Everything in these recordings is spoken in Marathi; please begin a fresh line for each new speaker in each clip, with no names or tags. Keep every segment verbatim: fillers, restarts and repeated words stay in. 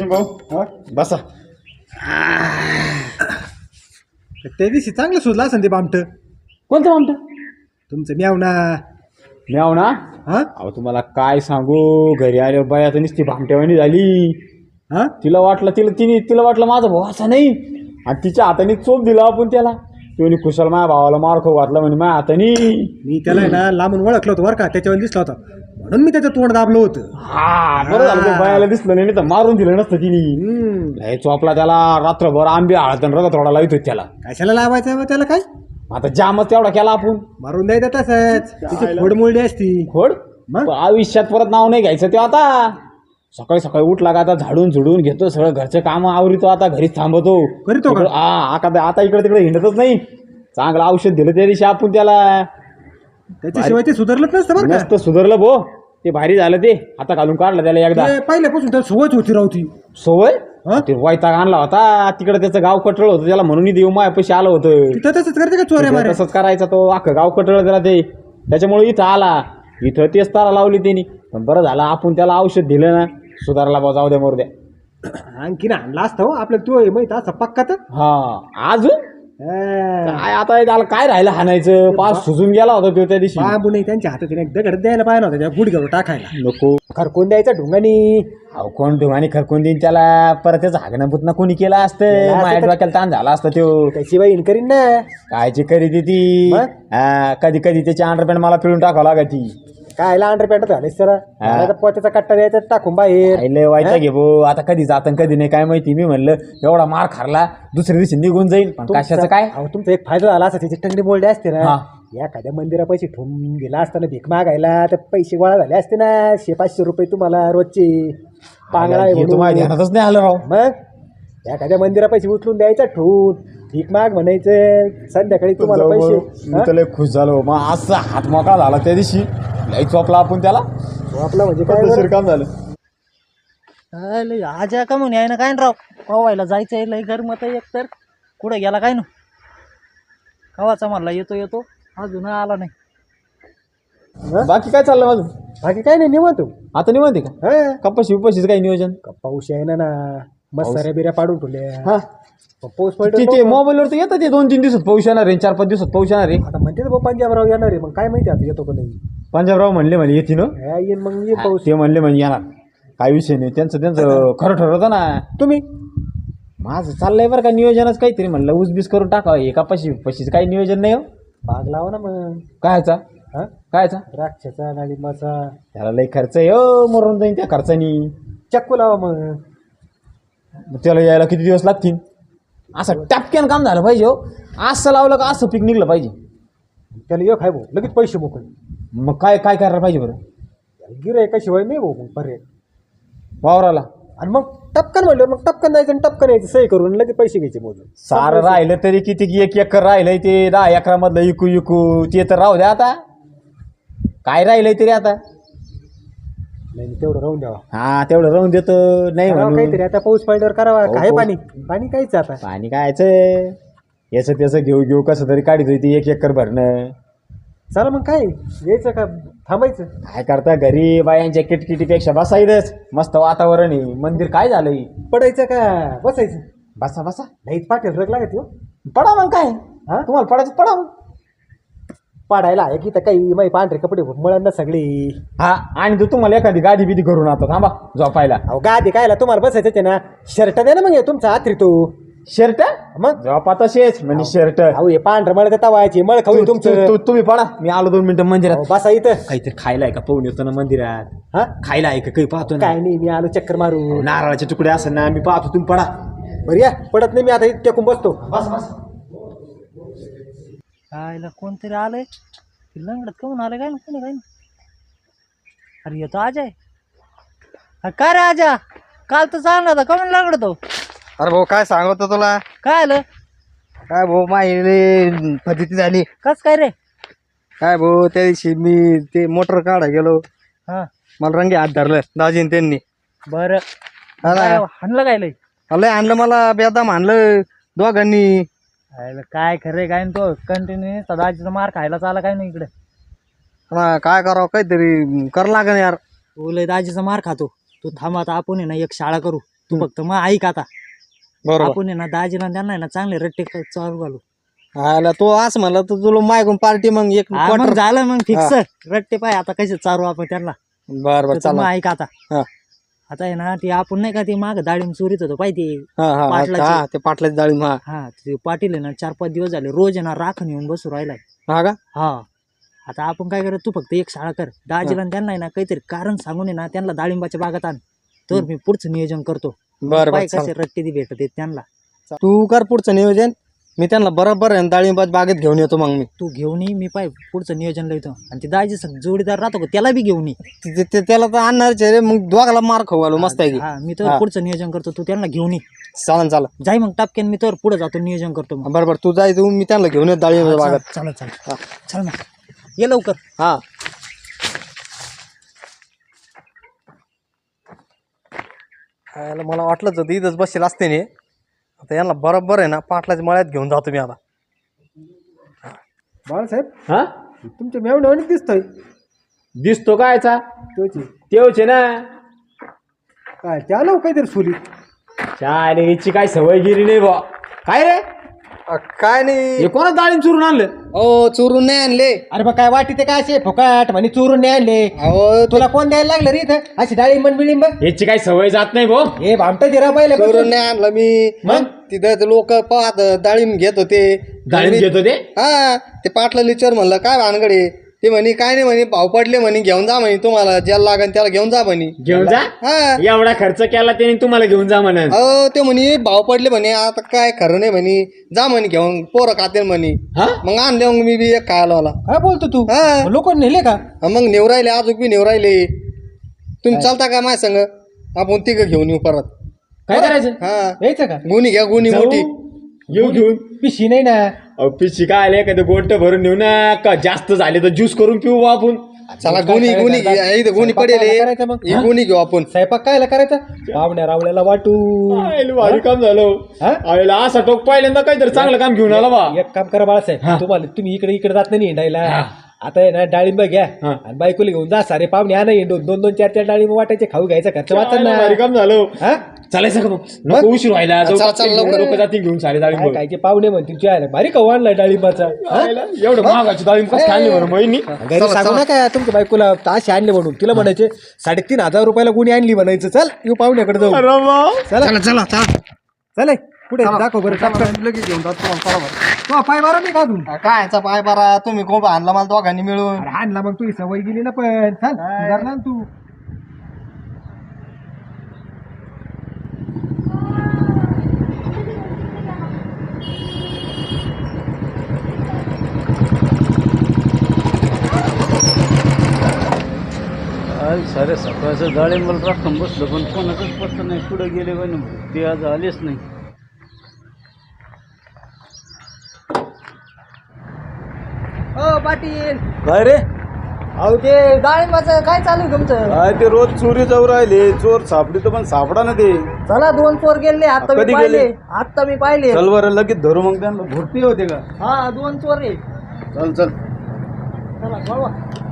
सचिन भाऊ बसा.
त्या दिवशी चांगलं सुचलं असं ते बामट
कोणतं आमचं
तुमचं म्याव ना
म्याव ना.
हा
अहो तुम्हाला काय सांगू, घरी आल्यावर बाया तर नुसती भामट्यावानी झाली.
हा
तिला वाटलं तिला तिने तिला वाटलं माझा भाऊ असा नाही, आणि तिच्या हाताने चोप दिला आपण त्याला. तिने कुशल माझ्या भावाला मार खाऊ घातला म्हणे माझ्या हाताने.
मी त्याला आहे ना लांबून ओळखलं होतं बरं का, त्याच्यावर दिसला होता म्हणून मी त्याचं तोंड दाबलं होतं.
हा बरं झालं ते बायाला दिसलं नाही, नाही तर मारून दिलं नसतं तिने.
हम्म.
लय चोपला त्याला, रात्रभर आंबे हळद रगत थोडा लावित होत त्याला.
कशाला लावायचं त्याला काय
आता जामच तेवढा केला आपण.
मारून द्यायचं तसंच, तिची फोडमोळडी असती.
खोड
मग?
आयुष्यात परत नाव नाही घ्यायचं ते. आता सकाळी सकाळी उठला का आता झाडून झुडून घेतो, सगळं घरचं काम आवरितो, आता घरीच थांबतो.
करीतो का?
इकडं- हा आता आता इकडे तिकडे हिंडतच नाही. चांगलं औषध दिलं त्या दिवशी आपण त्याला.
त्याच्याशिवाय ते सुधारलंच नसतं बरं का.
मस्त सुधारलं भो, ते भारी झालं. ते आता घालून काढलं त्याला एकदा.
ते पहिल्यापासून त्याला सवयच होती राहती.
सवय
हा?
ते वैताग आणला होता तिकडे, त्याचं गाव कटळ होतं त्याला, म्हणून देऊ माय पैसे आलं होतं.
तिथं तसंच करते का चोऱ्या मारे.
तसंच करायचा तो, अख्खं गाव कटळ त्याला ते. त्याच्यामुळे इथं आला, इथं तेच तारा लावली त्यांनी. पण बरं झालं आपण त्याला औषध दिलं ना, सुधारला बा. जाऊ द्या मोर द्या.
आणखीन आणला असता हो आपल्याला तो माहित असा पक्का तर.
हा अजून
हा.
काय आता त्याला काय राहिलं हाणायचं, पाच सुजून गेला होता तो त्या दिवशी.
बांबू नाही त्यांच्या हातात एक दगड द्यायला पाहिजे नव्हता त्या गुडघ्यावर टाकायला.
नको
खरकून द्यायचा ढुंगानी.
अहो कोण ठिकाणी खरकून देईन त्याला, परत त्याचं हागणं पुतना कोणी केलं असतं,
असतं
माझ्या
तर-
डोक्याला ताण झाला असता तो.
त्याची बाई करीन ना.
कायची करी ती ती
मग?
हा, कधी कधी त्याची अंडरपॅन्ट मला पिळून टाकावं लागत ती.
काय अंडर पॅन्ट झाले सर, पोत्याचा कट्टा द्यायचा टाकून बाहेर.
लय व्हायचं घे भो, आता कधी जातं कधी नाही काय माहिती. मी म्हणलं एवढा मार खारला, दुसऱ्या दिवशी निघून जाईल, पण कशाचं काय.
अहो तुमचा एक फायदा झाला असता, त्याची टंगडी मोडली असते ना.
हा.
एखाद्या मंदिरा पैसे ठेवून गेला असताना भीक मागायला, तर पैसे गोळा झाले असते ना. शे पाचशे रुपये तुम्हाला रोजचे पांगळा आहे
हे तर माझ्या
म्हणून.
ध्यानातच नाही आलं राव.
मग एखाद्या मंदिरा पैसे उचलून द्यायचा ठेवून, भीक माग म्हणायचं, संध्याकाळी तुम्हाला पैसे.
मी तर लय खुश झालो. मग असा हात मोकळा झाला त्या दिवशी, लय चोपला आपण त्याला.
हा? आपला म्हणजे काय बरं?
काम झालं.
लय आज का म्हणून आहे ना काय ना राव, कवायला जायचं आहे लय गरमत आहे. एक तर कुठं गेला काय ना, कवाचा म्हणला येतो येतो अजून आला नाही.
हा?
बाकी काय चाललं माझं?
बाकी काय नाही निवांत.
आता निवांत आहे का?
हा.
कपाशी उपाशीचं काही नियोजन?
पाऊस आहे ना ना, मस्त साऱ्या बिऱ्या पाडून ठेवल्या.
हा
पाऊस
ते
पडतो
मोबाईलवर तर येतं ते, दोन तीन दिवसात पाऊस येणार आहे, चार पाच दिवसात पाऊस येणार आहे.
आता म्हणते ना पंजाबराव येणार आहे, मग काय माहिती आता येतो का नाही.
पंजाबराव म्हणले म्हणे येते ना.
हा, येईन मग येईन पाऊस.
ते म्हणले म्हणजे येणार, काय विषय नाही. त्यांचं त्यांचं खरं ठरवतं ना.
तुम्ही
माझं चाललंय बरं का नियोजनच काहीतरी. म्हणलं उसबीस करून टाकावं हे कपाशी पशीचं काही नियोजन नाही हो.
बाग लावा ना मग.
कायचा
हा,
कायचा
द्राक्षाचा डाळिंबाचा.
त्याला लई खर्च आहे हो, मरून जाईन त्या खर्चानी.
चक्कू लावा मग.
मग त्याला यायला किती दिवस लागतील? असं टपक्यान काम झालं पाहिजे हो. असं लावलं का असं पीक निघलं पाहिजे.
त्याला एक आहे भाऊ, लगेच पैसे मोकळे.
मग काय काय करायला पाहिजे बरं?
गिराय का शिवाय नाही भाऊ मग पर्याय.
वावराला
आणि मग टपकन म्हणलं मग टपकन जायचं आणि टपकन यायचं, सही करून लगेच पैसे घ्यायचे मोजून.
सारं राहिलं तरी किती की एक एकर राहिलंय ते, दहा एकरामधलं इकू इकू ते तर राहू द्या. आता काय राहिलंय तरी आता.
नाही तेवढं राहून द्यावा.
हा तेवढं राहून देतो नाही
करावं
म्हणून.
काहीतरी आता पाऊस पडल्यावर करावा.
हो,
काय
पाऊस-
पाणी पाणी काहीच आता.
पाणी कायचं याचं त्याचं घेऊ घेऊ कसं तरी काढित होती एक एकर भरणं.
चला मग काय यायचं का थांबायचं.
काय करता घरी बायांच्या किटकिटीपेक्षा बसायचंच. मस्त वातावरण आहे, मंदिर काय झालंय.
पडायचं का बसायचं.
बसा बसा
नाहीच पाटील रग लागत हो.
पडा मग काय.
हा?
तुम्हाला पडायचं पडा मग.
पाडायला आहे की तर काही माही पांढरे कपडे मुळांना सगळी.
हा आणि तू तुम्हाला एखादी गादी बिदी करून आता थांबा झोपायला.
अहो गादी कायला तुम्हाला बसायचं ते ना. शर्ट द्या ना मग हे तुमचा आत्री तो.
शर्ट
मग
झोपा तसेच म्हणजे शर्ट.
अहो हे पांढरं मळ का तवायची मळ खाऊ तुमचं.
तुम्ही पडा, मी आलो दोन मिनिटं मंदिरात.
अहो, बसा इथं.
काहीतरी खायला आहे का पाहून येतो ना मंदिरात.
हा
खायला आहे का काही पाहतो ना.
काय नाही मी आलो चक्कर मारू.
नारळाचे तुकडे असं ना मी पाहतो, तुम्ही पडा.
बरं या पडत नाही मी आता इथे टेकून बसतो.
बस बस.
कायला कोणतरी आलंय, ते लंगडत कमून आलं काय ना कोणी काय ना. अरे येतो आजा आहे. अरे काय रे आजा, काल तर चालला होता कमून लंगडतो.
अरे भाऊ काय सांगतो तुला.
काय आलं
काय भाऊ माहिती फजिती झाली.
कस काय रे.
काय भाऊ त्या दिवशी मी ते मोटर काढा गेलो,
हा
मला रंगी हात धरलं दाजीन त्यांनी.
बरं
हा ना.
काय हाणलं काय लय.
लय आणलं मला बेदाम आणलं दोघांनी.
अरे काय खरे काय न तो कंटिन्यू सदाजीचा मार खायला चाला काय नाही इकडे.
हा, काय करावं काहीतरी कर लागेल यार.
तू लय दाजीचा मार खातो. तू थांब आता आपण आहे ना एक शाळा करू. तू फक्त मग ऐक आता
बरोबर
आपण आहे ना दाजीला त्यांना आहे ना चांगले रट्टे क- चालू घालू
आला तो असं म्हणला तर तुला मायकून पार्टी मग एक
हा, मग
क्वार्टर
झालं मग फिक्स रट्टे पाय आता कसे चालू आपण त्यांना
बर बर
तर तू मग
चला
ऐक आता
हा
आता आहे ना ते आपण नाही का ते माग डाळिंब चोरीत होतो पाहिजे
हा हा
पाटलाची.
हा ते पाटलाची डाळिंब हा
हा ते पाटील आहे ना चार पाच दिवस झाले रोज आहे ना राखण येऊन बसू राहिलाय
हा का
हा आता आपण काय करत तू फक्त एक शाळा कर दाजीला आणि त्यांना आहे ना काहीतरी कारण सांगून आहे ना त्यांना डाळिंबाच्या बागात आण तर मी पुढचं नियोजन करतो
बर बर
पाय
चला.
कसे रट्टे ती भेटत आहेत त्यांना
तू कर पुढचं नियोजन मी त्यांना बरोबर आहे ना डाळिंबाच्या बागेत घेऊन येतो मग मी
तू घेऊन ये मी पाय पुढचं नियोजन लिहितो आणि ते दाजी संग जोडीदार राहतो का त्याला बी घेऊन ये
ते- ते- त्याला तर आणणारच आहे रे मग दोघाला मार खाऊ घालू मस्त आहे की
हा मी तर पुढचं नियोजन करतो तू त्यांना घेऊन ये
चालन चालन
जाई मग टपक्यान मी तर पुढे जातो नियोजन करतो मग
बरोबर तू जाय तू मी त्यांना घेऊन येतो डाळिंबाच्या बागेत
चल चल चल मग ये लवकर
हा याला मला वाटलंच होतं इथंच बसेल असते ने आता यांना बरोबर आहे ना पाटलाच्या मळ्यात घेऊन जातो मी आता
बाळासाहेब
हा
तुमच्या मेवण्यावानी दिसतोय
दिसतो कायचा
तोची
तेवचे ना
काय त्या आलो काहीतरी सुली
चालेल हिची काय सवय गिरी नाही बा काय रे
अ, काय नाही
हे कोणा डाळिंब चुरून आणलं
ओ चोरून नाही आणले
अरे बा काय वाटी ते काय असे फुकाट म्हणे चोरून नाही आणले
अहो
तुला कोण द्यायला लागलं रे इथं अशी डाळिंब बिळिंब
ह्याची काय सवय जात नाही भाऊ
हे भामट जिरा पाहिलं
चोरून नाही आणलं मी
मग?
तिथं लोक पाहत डाळिंब घेत होते
डाळिंब घेतो ते
हा ते पाटला लिचर म्हणलं काय भानगडे ते म्हणे काय नाही म्हणे भाव पडले म्हणे घेऊन जा म्हणे तुम्हाला ज्याला लागन त्याला घेऊन जा म्हणे
घेऊन जा
हा
एवढा खर्च केला त्याने तुम्हाला घेऊन जा म्हणून
अहो ते म्हणे भाव पडले म्हणे आता काय खरं नाही म्हणे जा म्हणे घेऊन पोरं खाते म्हणे
हा
मग आणले मग मी बी एक खायला आला
काय बोलतो तू
हा
लोक नेले का
मग नेव राहिले अजून बी नेव राहिले तुम्ही चालता का माझ्या संग आपण तिघ घेऊन येऊ परत
काय करायचं
हा
यायचं का
गुणी घ्या गुणी
जाऊ?
मोठी
येऊ घेऊन
पिशी नाही ना
ऑफिस शिकायला एखादं गोट भरून नेऊ ना का जास्त झाले तर ज्यूस करून पिऊ बा आपण
चला गुणी गुणी घ्या इथं गुणी पडेल हे.
करायचं मग?
ही गुणी घेऊ आपण
स्वयंपाक कायला करायचा पाहुण्या रावल्याला वाटू
आयला भारी काम झालं
हा?
आयला असा टोक पहिल्यांदा काहीतरी चांगलं काम घेऊन आला बा
एक काम करा बाळासाहेब तुम्हाला तुम्ही इकडे इकडे जात नाही हिंडायला आता आहे ना डाळिंब घ्या
हा.
आणि बायकोला घेऊन जा सारे पाहुणे आणा हिंडून दोन दोन चार चार डाळिंब वाटायचे खाऊ घ्यायचा खर्च वाचा
आयला
ना
भारी काम झालं
हा?
चालायचं का मग नको उशीर व्हायला जाऊ.
चला, चला, लवकर.
लोक जातील घेऊन सारे
काय
डाळिंब
खायचे पाहुणे म्हणतील तुझ्या भारी खाऊ आणलाय डाळिंबाचा हा?
आयला, एवढं महागाची डाळिंब कसं खाल्ली बरं महिनी
घरी सांगू नका तुमच्या बायकोला ताशी आणले म्हणून तिला म्हणायचे साडेतीन हजार रुपयाला कोणी आणली म्हणायचं चल येऊ पाहुण्याकडे जाऊ
अरे वा.
चला
चला चला चला
चल पुढे दाखव बरं टाक
लगेच घेऊन जातो तुम्हाला बरोबर
तो पाय मारा नाही का अजून
काय याचा पाय बरा तुम्ही कोण आणला मला दोघांनी मिळून
अरे आणला मग तुझी सवय गेली ना पण चल सुधारला ना तू
आज सारे सकाळचं डाळिंबाला राखून बसलं पण कोणाचंच पत्ता नाही कुठं गेले पण ते आज आलेच नाही.
हो पाटील
काय रे
अहो ते डाळिंबाचं काय चालू आहे तुमचं
काय ते रोज चोरी जाऊ राहिले चोर सापडी तर पण सापडा ना ते.
चला दोन चोर गेले आता मी
कधी
पाहिले
गेले?
आता मी पाहिले
चल बरं लगेच धरू मग त्यांना भरती होते का.
हा दोन चोर आहे
चल चल
चला कळवा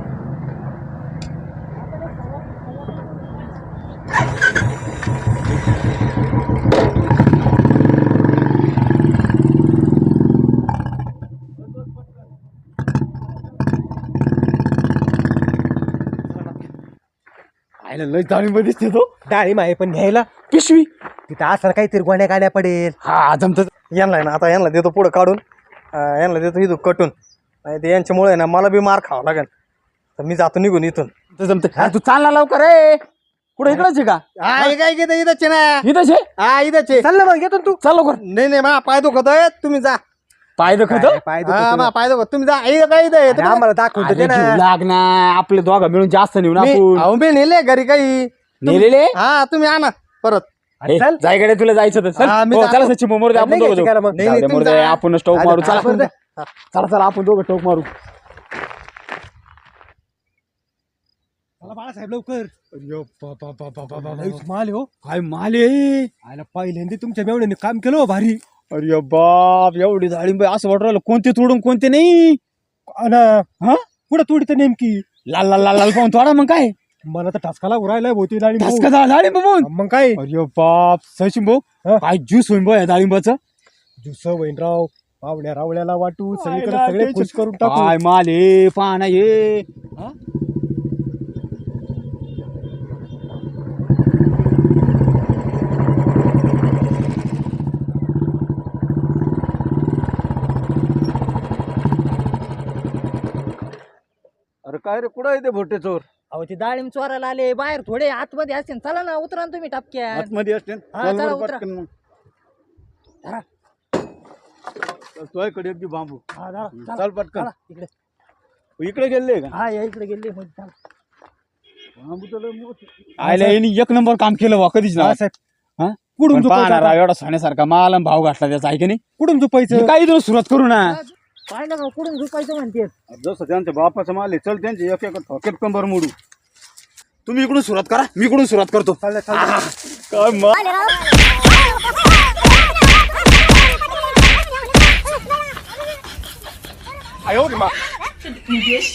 आयला लय डाळिंब दिसते तो
डाळिंब आहे पण घ्यायला
पिशवी
तिथं असं काहीतरी गोण्या गाड्या पडेल
हा जमत
यांना आहे ना आता यांना देतो पुढं काढून अं, यांना देतो इथून कटून नाही ते यांच्यामुळे आहे ना मला बी मार खावा लागेल तर मी जातो निघून इथून
जमत तू चालला लवकर रे कुठे इकडच आहे का
हा हे काय घेतं इथंच आहे ना
इथंच आहे
हा इथंच आहे.
चल ना मग येतो ना तू
चाल लवकर
नाही नाही मा पाय दुखत आहे तुम्ही जा
पाय दुखत
काय पाय दुखतो.
हा मा पाय दुखत तुम्ही जा इथं काय इथं आहे?
अरे आम्हाला दाखवतो ते ना
लाग ना आपले दोघं मिळून जास्त नेऊन
मी
आपण
अहो, मी नेले घरी काही
नेलेले
हा तुम्ही आणा परत
ए,
चल.
जायकडे तुला जायचं तर चल
हा, मी
हो,
जातो.
चला सचिन मोर आपण
नाही
दोघं
घ्यायचं
जाऊ.
का मग?
नाही,
जाऊ
नाही,
दे,
तुम्ही
मोर दे,
जा.
आपण स्टोक
अरे,
मारू चला
आपण जा.
चला चला आपण दोघं टोक मारू
चला बाळासाहेब लवकर लईच माल हो
काय माल आहे
आयला पहिल्यांदा तुमच्या मेवण्याने काम केलं हो भारी
अरे बाप एवढी डाळिंब आहे, असं वाटू राहिलं कोणते तोडून कोणते नाही
अन
हा
पुढे तोडी तर नेमकी
लाल लाल लाल लाल पाहून थोडा मग काय
मला तर ठसकाला उरायलाय भोवती डाळिंब
ठसका झाला डाळिंब बघून.
मग काय
अरे बाप सचिन भाऊ
हा?
काय ज्यूस होईन बघ या डाळिंबाचं.
जुस वैनराव पाहुण्या रावळ्याला वाटू सगळीकडे
ना,
सगळे
ते
खुश करून टाकू
काय माल हे पाना हे.
अरे काय रे कुठं आहे ते भोटे चोर
अहो ते डाळिंब चोरायला आले बाहेर थोडे आतमध्ये असतील चला ना उतरा ना तुम्ही टपक्यात
आतमध्ये असते
हा, चला, उतरा.
तुझ्याकडे अगदी बांबू
हा, चला, चला,
चाल पटकन
चला, इकडे
इकडे गेले का
हा या इकडे गेले मग चला.
बांबू तर लय मोठे.
आयला यांनी एक नंबर काम केलं वा कधीच ना.
हा, साहेब.
हा?
कुठून
पण
झोपायचं
पाहणार
आता?
एवढा सोन्यासारखा माल आणि भाव घातला त्याचा आहे की नाही.
कुठून झोपायचं
काही इथून सुरुवात करू ना.
पाहिलं का कुठून झोपायचं म्हणते
जसं त्यांच्या बापाचा माल आहे चल त्यांचे एक एक ठोक्यात कंबर मोडू.
तुम्ही इकडून सुरुवात करा मी इकडून सुरुवात करतो.
चाललंय, चाललंय.
काय मा-